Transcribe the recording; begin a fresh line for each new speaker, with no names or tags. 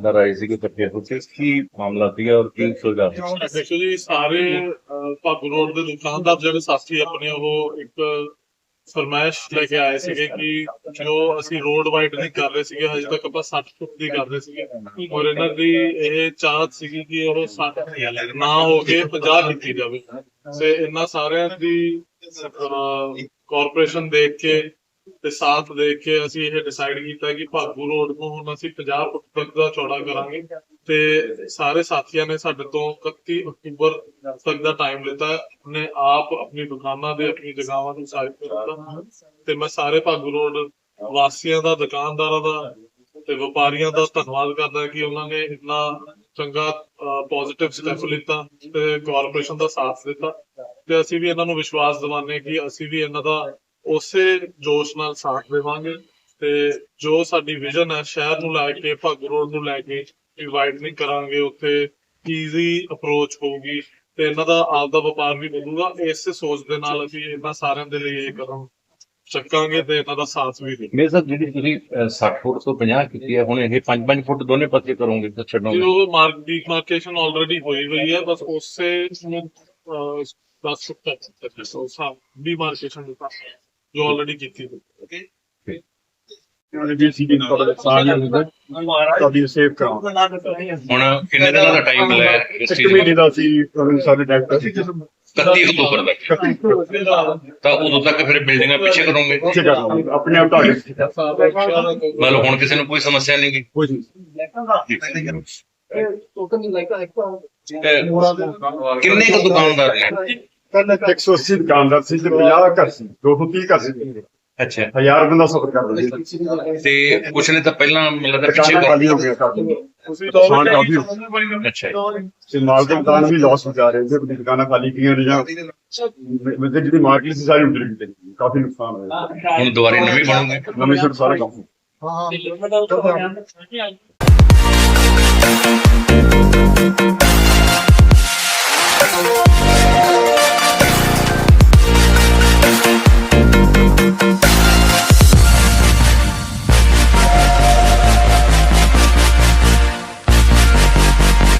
ਦੁਕਾਨਦਾਰ ਆਏ ਸੀਗੇ ਇਕੱਠੇ ਹੋ ਕੇ, ਕੀ ਮਾਮਲਾ ਸੀਗਾ ਔਰ ਕੀ ਸੁਲਝਾ?
ਦੇਖੋ ਜੀ, ਸਾਰੇ ਭਾਗੂ ਰੋਡ ਦੇ ਦੁਕਾਨਦਾਰ ਜਿਹੜੇ ਸਾਥੀ ਆਪਣੇ ਉਹ ਇੱਕ ਫਰਮਾਇਸ਼ ਲੈ ਕੇ ਆਏ ਸੀਗੇ ਕਿ ਜੋ ਅਸੀਂ ਰੋਡ ਵਾਈਡ ਨਹੀਂ ਕਰ ਰਹੇ ਸੀਗੇ, ਹਜੇ ਤੱਕ ਆਪਾਂ 60 ਫੁੱਟ ਦੀ ਕਰ ਰਹੇ ਸੀਗੇ, ਔਰ ਇਹਨਾਂ ਦੀ ਇਹ ਚਾਹਤ ਸੀਗੀ ਕਿ ਉਹ 60 ਨਾ ਹੋ ਕੇ 50 ਕੀਤੀ ਜਾਵੇ। ਤੇ ਇਹਨਾਂ ਸਾਰਿਆਂ ਦੀ ਕਾਰਪੋਰੇਸ਼ਨ ਦੇਖ ਕੇ ਤੇ ਸਾਥ ਦੇਖ ਕੇ ਅਸੀਂ ਇਹ ਡਿਸਾਈਡ ਕੀਤਾ ਕਿ ਭਾਗੂ ਰੋਡ ਨੂੰ ਹੁਣ ਅਸੀਂ 50 ਫੁੱਟ ਤੱਕ ਦਾ ਚੌੜਾ ਕਰਾਂਗੇ। ਤੇ ਸਾਰੇ ਸਾਥੀਆਂ ਨੇ ਸਾਡੇ ਤੋਂ 31 ਅਕਤੂਬਰ ਤੱਕ ਦਾ ਟਾਈਮ ਲਿੱਤਾ। ਉਹਨੇ ਆਪ ਆਪਣੀ ਦੁਕਾਨਾਂ ਦੇ ਆਪਣੀ ਜਗ੍ਹਾਵਾਂ ਨੂੰ ਸਾਈਡ ਕੀਤਾ ਤੇ ਮੈਂ ਸਾਰੇ ਭਾਗੂ ਰੋਡ ਵਾਸੀਆਂ ਦਾ, ਦੁਕਾਨਦਾਰਾਂ ਦਾ ਤੇ ਵਪਾਰੀਆਂ ਦਾ ਧੰਨਵਾਦ ਕਰਦਾ ਕਿ ਉਹਨਾਂ ਨੇ ਇੰਨਾ ਚੰਗਾ ਪੋਜ਼ਿਟਿਵ ਸਟੈਪ ਲਿੱਤਾ ਤੇ ਕਾਰਪੋਰੇਸ਼ਨ ਦਾ ਸਾਥ ਦਿੱਤਾ। ਤੇ ਅਸੀਂ ਵੀ ਇਹਨਾਂ ਨੂੰ ਵਿਸ਼ਵਾਸ ਦਿਵਾਉਂਦੇ ਕਿ ਅਸੀਂ ਵੀ ਇਹਨਾਂ ਦਾ ਉਸੇ ਜੋਸ਼ ਨਾਲ ਸਾਥ ਦੇਵਾਂਗੇ ਤੇ ਜੋ ਸਾਡੀ ਵਿਜ਼ਨ ਹੈ ਸ਼ਹਿਰ ਨੂੰ ਲੈ ਕੇ, ਭਾਗੂ ਰੋਡ ਨੂੰ ਲੈ ਕੇ ਵਾਈਡਨਿੰਗ ਕਰਾਂਗੇ, ਉੱਥੇ ਈਜ਼ੀ ਅਪਰੋਚ ਹੋਊਗੀ ਤੇ ਇਹਨਾਂ ਦਾ ਆਪ ਦਾ ਵਪਾਰ ਵੀ ਵਧੂਗਾ। ਇਸੇ ਸੋਚ ਦੇ ਨਾਲ ਅਸੀਂ ਇਹਨਾਂ ਸਾਰਿਆਂ ਦੇ ਲਈ ਇਹ ਕਦਮ ਚੱਕਾਂਗੇ ਤੇ ਇਹਨਾਂ ਦਾ ਸਾਥ ਵੀ ਦੇਵਾਂਗੇ।
ਮੇਰੇ ਸਾਹਿਬ, ਜਿਹੜੀ ਤੁਸੀਂ 60 ਫੁੱਟ ਤੋਂ 50 ਕੀਤੀ ਹੈ, ਹੁਣ ਇਹ 5-5 ਫੁੱਟ ਦੋਨੇ ਪਾਸੇ ਕਰੋਗੇ ਤਾਂ ਛੱਡੋਗੇ?
ਉਹ ਡਿਮਾਰਕੇਸ਼ਨ ਆਲਰੇਡੀ ਹੋਈ ਹੋਈ ਹੈ, ਬਸ ਉਸੇ 10 ਫੁੱਟ ਤੱਕ ਡਿਮਾਰਕੇਸ਼ਨ ਜੋ ਆਲਰੇਡੀ ਕੀਤੀ ਹੋਈ। ਓਕੇ,
ਤੁਹਾਡੀ ਸੇਵ ਕਰਾਉਂ।
ਹੁਣ ਕਿੰਨੇ ਦਿਨਾਂ ਦਾ ਟਾਈਮ ਮਿਲਿਆ ਇਸ
ਇੱਕ
ਚੀਜ਼
ਮਹੀਨੇ
ਨੂੰ?
ਦਾ ਸੀ ਸਾਡੇ ਡਾਇਰੈਕਟਰ
31 ਅਕਤੂਬਰ ਤੱਕ ਤਾਂ ਉਦੋਂ ਤੱਕ ਫਿਰ ਬਿਲਡਿੰਗਾਂ ਪਿੱਛੇ ਕਰੋਗੇ?
ਆਪਣੇ ਆਪ ਤੁਹਾਡੇ
ਮਤਲਬ ਹੁਣ ਕਿਸੇ ਨੂੰ ਕੋਈ ਸਮੱਸਿਆ ਨਹੀਂ ਗੀ?
ਕੁਝ ਨਹੀਂ।
ਕਿੰਨੇ ਕੁ ਦੁਕਾਨਦਾਰ ਨੇ?
ਪਹਿਲਾਂ 180 ਦੁਕਾਨਦਾਰ ਸੀ ਤੇ 50 ਘਰ ਸੀ, 230 ਘਰ ਸੀ।
ਅੱਛਾ,
1000 ਬੰਦਾ ਸਫਰ ਕਰਦਾ ਸੀ
ਤੇ ਕੁਛ ਨੇ ਤਾਂ ਪਹਿਲਾਂ ਮੈਨੂੰ ਲੱਗਦਾ ਪਿੱਛੇ
ਦੁਕਾਨਾਂ ਖਾਲੀ ਹੋ ਗਿਆ ਕਾਫੀ। ਨੁਕਸਾਨ ਕਾਫੀ ਹੋ ਗਿਆ
ਅੱਛਾ ਜੀ।
ਤੇ ਮਾਲ ਦੇ ਦੁਕਾਨ ਵੀ ਲਾਸ ਹੋ ਜਾ ਰਹੇ ਸੀ, ਆਪਣੀ ਦੁਕਾਨਾਂ ਖਾਲੀ ਕੀਆਂ ਨੇ ਜਾਂ ਮਤਲਬ ਜਿਹੜੀ ਮਾਰਕੀਟ ਸੀ ਸਾਰੀ ਉੱਡ ਗਈ, ਕਾਫੀ ਨੁਕਸਾਨ ਹੋਇਆ।
ਹੁਣ ਦੁਬਾਰੇ ਨਵੀਂ ਬਣੂਗੇ?
ਨਵੇਂ ਸਿਰ ਸਾਰਾ ਕੰਮ
ਹਾਂ।